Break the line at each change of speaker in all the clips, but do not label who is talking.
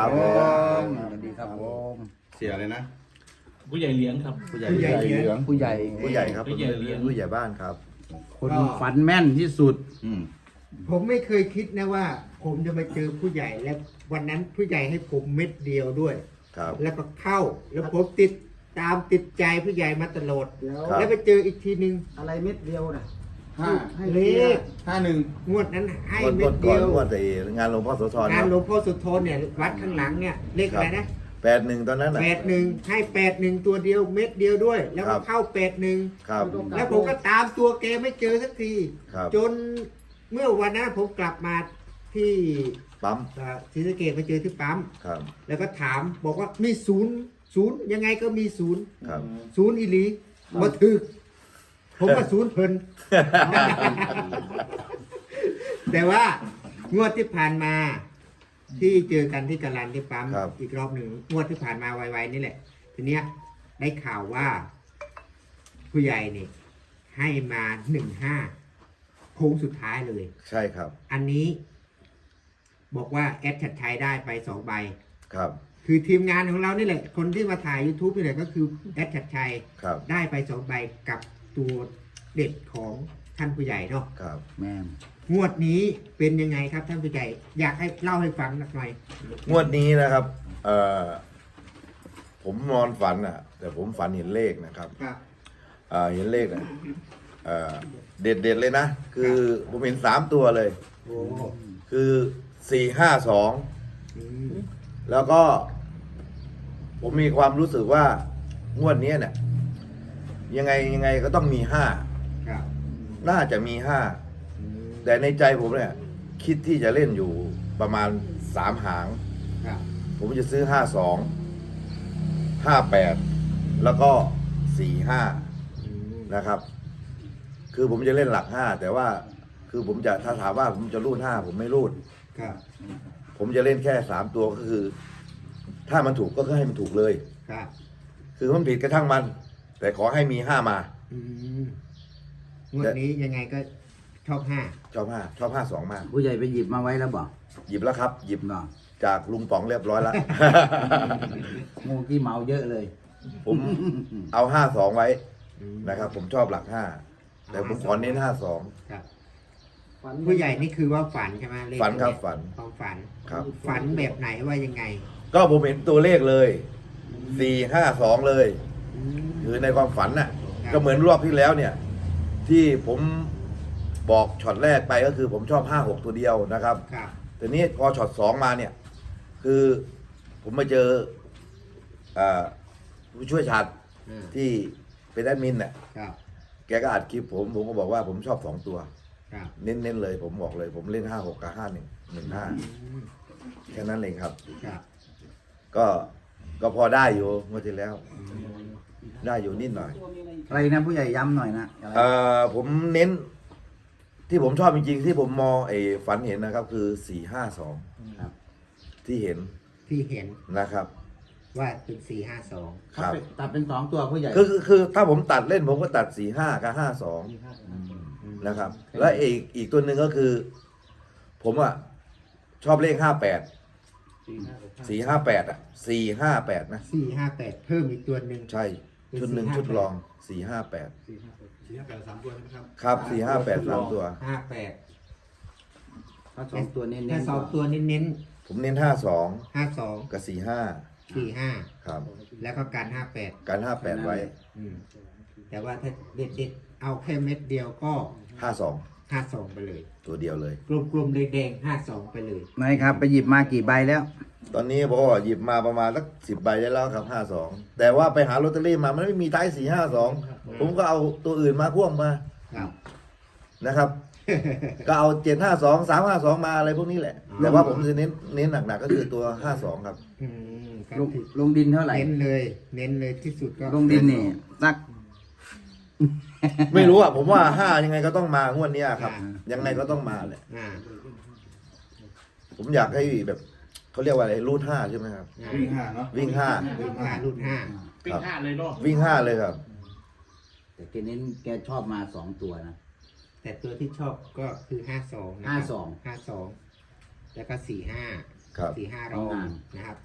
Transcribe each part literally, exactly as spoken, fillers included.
ครับผมสวัสดีครับผม
เสียเลยนะ
ผู้ใหญ่เลี้ยงครับ
ผู้ใหญ่เหลืองผู้ใหญ่
ผู้ใหญ่ครับ
ผู้ใหญ่เลี้ยง
ผู้ใหญ่บ้านครับ
คนฝันแม่นที่สุด
อืม
ผมไม่เคยคิดนะว่า ผมจะมาเจอผู้ใหญ่และวันนั้นผู้ใหญ่ให้ผมเม็ดเดียวด้วย
ครับ
แล้วก็เข้าแล้วผมติดตามติดใจผู้ใหญ่มาตลอด
ครับ
แล้วไปเจออีกทีนึง
อะไรเม็ดเดียวนะ
ห้า
เลข
ห้าหนึ่ง
งวดนั้นให้
งวด
เม็
ก่อ
ด
น
เดียว
งวดแต่งานหลวงพ่อโสธรง
านหลวงพ่อสุโธนเนี่ยวัดข้างหลังเนี่ยเลขอะไรนะ
แปดหนึ่งตอนนั้นน่ะ
แปดหนึ่งให้แปดหนึ่งตัวเดียวเม็ดเดียวด้วย แล้ว
ครั
ก็
บ
เข้าแปดหนึ่ง
ครับ
แล้วผมก็ตามตัวแกไม่เจอสักที
ครับ
จนเมื่อวันนั้นผมกลับมาที่
ปั๊ม
เอ่อศรีสะเกษไปเจอที่ปั๊ม
ครับ
แล้วก็ถามบอกว่ามีศูนย์ศูนย์ยังไงก็มีศูนย์
ครับ
ศูนย์อีหลีมาถึกผมก็ศูนย์เพิ่น แต่ว่างวดที่ผ่านมา ที่เจอกันที่กาลันที่ปั๊ม
ครับ
อีกรอบหนึ่งงวดที่ผ่านมาไวๆนี่แหละ ทีเนี้ยได้ข่าวว่า ผู้ใหญ่นี่ให้มาหนึ่งห้าโค้งสุดท้ายเลย
ใช่ครับ
อันนี้ บอกว่าแอดชัดชัยได้ไปสองใบ
ครับ
คือทีมงานของเรานี่แหละ คนที่มาถ่าย YouTube นี่แหละก็คือแอดชัดชัย
ครับ
ได้ไปสองใบกับตัวเด็ดของท่านผู้ใหญ่เนาะ
ครับ
แม่น
งวดนี้เป็นยังไงครับท่านผู้ใหญ่ อยากให้เล่าให้ฟังหน่อย
งวดนี้นะครับเอ่อผมนอนฝันอ่ะ แต่ผมฝันเห็นเลขนะครับ
ครับ
เอ่อเห็นเลขนะเอ่อเด็ดเด็ดๆเลยนะ คือผมเห็นสามตัวเลย
โอ้
คือสี่ห้าสอง
อืม
แล้วก็ ผมมีความรู้สึกว่างวดนี้เนี่ย ยังไงยังไงก็ต้องมีห้า
ครับ
น่าจะมีห้า
อืม
แต่ในใจผมเนี่ย คิดที่จะเล่นอยู่ประมาณสามหาง
ครับ
ผมจะซื้อห้าสองห้าแปดแล้วก็สี่ห้า
อืม
นะครับ คือผมจะเล่นหลักห้าแต่ว่า คือผมจะถ้าถามว่าผมจะรูดห้าผมไม่รูด
ครับ
ผมจะเล่นแค่สามตัวก็คือ ถ้ามันถูกก็ให้มันถูกเลย
ครับ
คือมันผิดกระทั่งมัน แต่ขอให้มีห้ามา
อืมงวดนี้ยังไงก็ชอบห้า
ชอบห้าชอบห้าสองมาก
ผู้ใหญ่ไปหยิบมาไว้แล้วบอก
หยิบแล้วครับ หยิบ
เนาะ
จากลุงป๋องเรียบร้อยแล้ว
งูกี้เมาเยอะเลย
ผมเอาห้าสองไว้
อืม
นะครับ ผมชอบหลักห้าแต่ผมขอเน้นห้าสอง
ครับ ผู้ใหญ่นี่คือว่าฝันใช่ไหมเลข
ฝันครับ
เย
ฝัน
ความฝัน
ครับ
ฝันแบบไหนว่ายังไง
ก็ผมเห็นตัวเลขเลยสี่ห้าสองเลย
อืม
คือในความฝันน่ะ
ครับ
ก็เหมือนรอบที่แล้วเนี่ย ที่ผมบอกช็อตแรกไปก็คือผมชอบห้าหกตัวเดียวนะครับ
ครับ
แต่นี้พอช็อตสองมาเนี่ย คือผมมาเจออ่าผู้ช่วยชาติ
อืม
ที่เป็นแอดมินเนี่ย
ครับ
แกก็อัดคลิปผม ผมก็บอกว่าผมชอบสองตัว
ครับ
เน้นๆเลย ผมบอกเลย ผมเล่นห้าหกกับห้าหนึ่งหนึ่งห้า
อืม
แค่นั้นเองครับ
ครับ
ก็ก็พอได้อยู่เมื่อที่แล้ว ได้อยู่นิดหน่อย
อะไรนะผู้ใหญ่ย้ำหน่อยนะอะไร
เอ่อผมเน้น ที่ผมชอบจริงๆ ที่ผมมองไอ้ฝันเห็นนะครับ คือสี่ห้าสอง
ครับ
ที่เห็น
ที่เห็น
นะครับ
ว่าเป็นสี่ห้าสอง
ครับ
ตัดเป็นสองตัวผู้ใหญ่
คือคือคือถ้าผมตัดเล่นผมก็ตัดสี่ห้ากับห้าสองนะครับ และอีกอีกตัวหนึ่งก็คือ ผมอ่ะ ชอบเลขห้าแปดสี่ห้าแปดอ่ะสี่ห้าแปดนะ
สี่ห้าแปดเพิ่มอีกตัวหนึ่ง
ใช่ ชุดหนึ่งชุดรองสี่ห้าแปด
สี่ห้าแปดสามตัวใช่ไหมครับ
ครับสี่ห้าแปดสามตัว
ห้าแปด
ถ้าสองตัวเน้นๆ
ถ้าสองตัวเน้น
ผมเน้นห้าสอง
ๆห้าสอง
กับสี่ห้า
สี่ห้า
ครับ
แล้วก็การห้าแปด
การห้าแปดไว้
อืมแต่ว่าถ้าเด็ดเด็ดๆเอาแค่เม็ดเดียวก็
ห้าสอง
ห้าสองไปเลย
ตัวเดียวเลย
กลมๆเลยแดงห้าสองไปเลย
ไหนครับ ไปหยิบมากี่ใบแล้ว
ตอนนี้ผมก็หยิบมาประมาณสักสิบใบได้แล้วครับห้าสองแต่ว่าไปหาลอตเตอรี่มามันไม่มีท้ายสี่ห้าสองผมก็เอาตัวอื่นมาพ่วงมา
ครับ
นะครับ ก็เอาเจ็ดห้าสองสามห้าสองมาอะไรพวกนี้แหละ แต่ว่าผมจะเน้นเน้นหนักๆก็คือตัวห้าสองครับ
อืมก็
ลง
ถือ
ลงดินเท่าไหร่
เน้นเลย เน้นเลยที่สุดก็
ลงดินนี่สัก
ไม่รู้อ่ะผมว่าห้ายังไงก็ต้องมางวดเนี้ยครับ ยังไงก็ต้องมาแหละ
อ่า
ผมอยากให้แบบเขาเรียกว่าอะไรรูดห้าใช่ไหมครับ
อ่า
วิ่งห้าเนาะ
วิ่งห้า
รุ่นห้ารุ่นห้า
ปิ้งห้าเลยเนาะ
วิ่งห้าเลยครับ
แต่แกเน้นแกชอบมาสองตัวนะ
แต่ตัวที่ชอบก็คือห้าสอง
ห้าสอง
ห้าสองแล้วก็สี่ห้า
ครับ
สี่ห้ารอง
เอางาน
นะครับ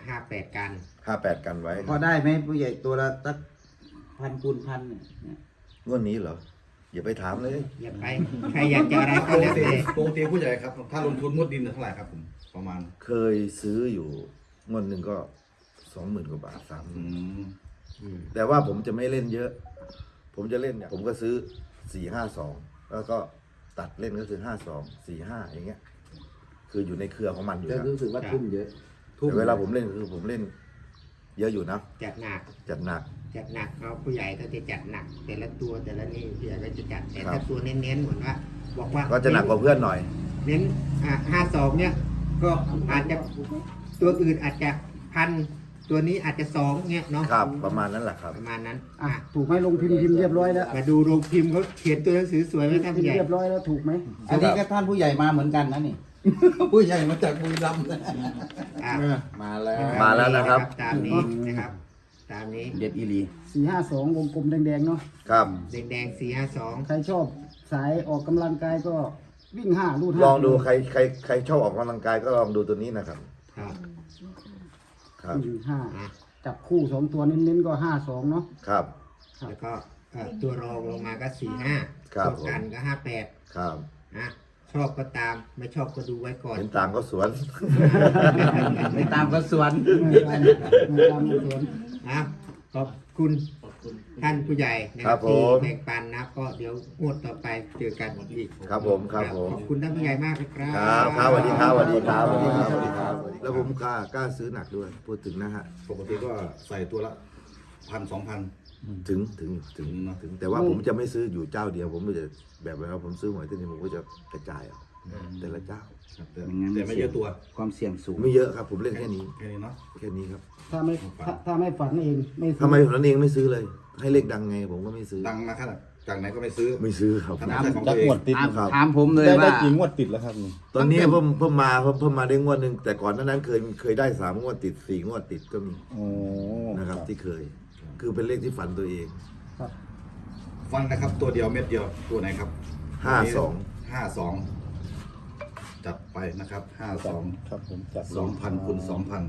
ห้าแปดกัน
ห้าแปดกันไว้
พอได้ไหมผู้ใหญ่ตัวละสักพันคูณพันเนี่ย
งวดนี้เหรอ อย่าไปถามเลย
อย่าไปใครอยากจะอะไร
ป
ก็
ก
แล้ว
ติ
แต่
ปกติผู้ใหญ่ครับ ถ้าลงทุนงวดดินเท่าไหร่ครับผมประมาณ
เคยซื้ออยู่งวดหนึ่งก็สองหมื่นกว่าบาทสาม
อืม
อืม
แต่ว่าผมจะไม่เล่นเยอะ ผมจะเล่นเนี่ยผมก็ซื้อสี่ห้าสองแล้วก็ตัดเล่นก็คือห้าสองสี่ห้าอย่างเงี้ย คืออยู่ในเครือของมันอยู่
จะ
นะ
รู้สึกว่าทุ่มเยอะทุ่ม
แต่เวลาผมเล่นคือผมเล่น เยอะอยู่นะ
จัดหนัก
จัดหนัก
จัดหนักเอาผู้ใหญ่ก็จะจัดหนัก แต่ละตัวแต่ละนี่ผู้ใหญ่ก็จะจัดแต่
ครั
ถ้า
บ
ตัวเน้นๆเหมือนว่า บอกว่า
ก็จะหนักกว่าเพื่อนหน่อย
เน้นอ่าห้าสองเนี่ย ก็อาจจะตัวอื่นอาจจะพันตัวนี้อาจจะสองเนี่ยเนาะ
ครับ ประมาณนั้นแหละครับ
ประมาณนั้น
อ่ะ
อ่ะ
ถูกไหมลงพิมพ์พิมพ์เรียบร้อยแล้ว
มาดูโรงพิมพ์เขาเขียนตัวหนังสือสวยไหมท่าน
พิม
ผู้ให
พ์
ญ่
เรียบร้อยแล้วถูกไหม
อันนี้ก็ท่านผู้ใหญ่มาเหมือนกันนะนี่ ผู้ใหญ่มาจากบุรีรัมย์นะ
อ่ะ
มาแล้ว
มาแล้วนะครับ
ตามนี้นะครับ ตามนี้
เด็ดอีหลี
สี่ห้าสองวงกลมแดงๆเนาะ
ครับ
แดงๆสี่ห้าสอง
ใครชอบสายออกกำลังกายก็วิ่งห้าลูดห้า
ลองดูใครใครใครชอบออกกำลังกายก็ลองดูตัวนี้นะครับ
ครับ
ครับ
วิ่งห้า
อ่ะ
จับคู่สองตัวเน้นๆก็ห้าสองเนาะ
ครับ
แล้วก็เอ่อตัวรองลงมาก็สี่ห้า
ครับ
ตัวกันก็ห้าแปด
ครับ
นะชอบก็ตามไม่ชอบก็ดูไว้ก่อน
เห็นต่างก็สวน
ไปตามกระสวน
ไม่ตามไม่ตามไม่สวน
นะขอบคุณ
ขอบคุณ
ท่านผู้ใหญ่นะค
ครั
รับบ
ผ
ที่
ม
แบ่งปันนะก็เดี๋ยวงวดต่อไปเจอกันอีก
ครับผมครับผม
ขอบคุณท่านผู้ใหญ่มากนะครั
ครับ บครับสวัสดีครับสวัสดีครับสวัสดีครับสวัสดีครับ แล้วผมกล้ากล้าซื้อหนักด้วย พูดถึงนะฮะ
ปกติก็ใส่ตัวละพันสองพัน
ถึงถึงถึง
เนอะ
ถึง แต่ว่าผมจะไม่ซื้ออยู่เจ้าเดียว ผมจะแบบเวลาผมซื้อหวยที่นี่ผมก็จะกระจายเอาแต่ละเจ้า
ครับแต่แต่ไม่เยอะตัว
ความเสี่ยงสูง
ไม่เยอะครับ ผมเล่นแค่นี้
แค่นี้เนาะ
แค่นี้ครับ
ถ้าไม่ถ้าถ้าไม่ฝันเองไม่ซื้อ
ทำไมผมนั้นเองไม่ซื้อเลย ให้เลขดังไงผมก็ไม่ซื้อ
ดังมาขนาดจากไหนก็ไม่ซื้อ
ไม่ซื้อครับ
ทำไม่ใช่ของตัวเอง
ถาม
ครับ
ถามผมเลย
ได้ได้
ว่า
กี่งวดติดแล้วครับนี่
ตอนนี้เพิ่มเพิ่มมาเพิ่มเพิ่มมาได้งวดหนึ่งแต่ก่อนหนานั้นเคยเคยได้สามงวดติดสี่งวดติดก็มี
โอ้
นะครับที่เคย คือเป็นเลขที่ฝันตัวเอง
ฟันนะครับ ตัวเดียวเม็ดเดียวตัวไหนครับ
ห้าสอง
ห้าสองจัดไปนะครับห้าสอง
ครับผมจับ
สองพันคูณสองพัน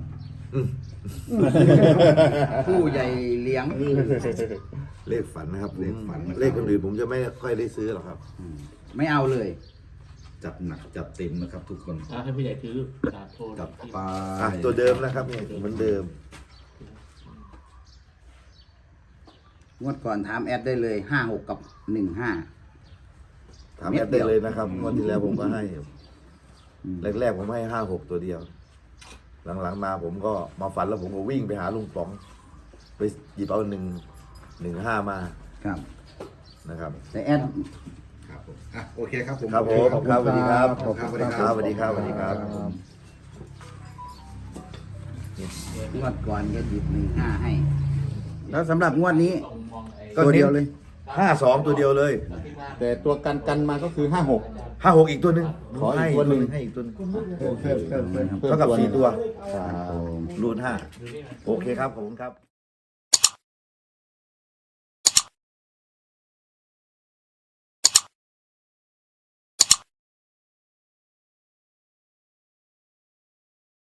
ผู้ใหญ่เลี้ยง
เลขฝันนะครับ
เลขฝันนะครับ
เลขคนอื่นผมจะไม่ค่อยได้ซื้อหรอกครับ
ไม่เอาเลย
จัดหนักจัดเต็มนะครับ ทุกคน
อ่ะให้ผู้ใหญ่ถือสาโทร
จัดไป
อ่ะตัวเดิมนะครับนี่เหมือนเดิม
งวดก่อนถามแอดได้เลยห้าหกกับหนึ่งห้า
ถามแอดได้เลยนะครับงวดที่แล้วผมก็ให้แรกๆผมให้ห้าหกตัวเดียว หลังๆมาผมก็มาฝันแล้วผมก็วิ่งไปหาลุงป๋อง ไปหยิบเอาหนึ่งหนึ่งห้ามา
ครับ
นะครับ
แต่แอด
ครับผมอ่ะโอเคครับผม
ครับผมครับสวัสดีครับ
ขอบคุณครับ
ครับสวัสดีครับสวัสดีครับ
งวดก่อนก็หยิบหนึ่งห้าให้ แล้วสำหรับงวดนี้
ต้องมองไอ้
ก็
ตัวเดียวเลย
ห้าสองตัวเดียวเลย
แต่ตัวกันกันมาก็คือห้าหก
ห้าหกอีกตัวหนึ่ง
ขออีก
ให้
ตัวหนึ่ง
ให้อีกตัวหนึง
เพิ่มเพิ่มเพิ่มเพิ่ม
เท่ากับสี่ตัว
ครับ
รูณห้าโอเคครับขอบคุณครับ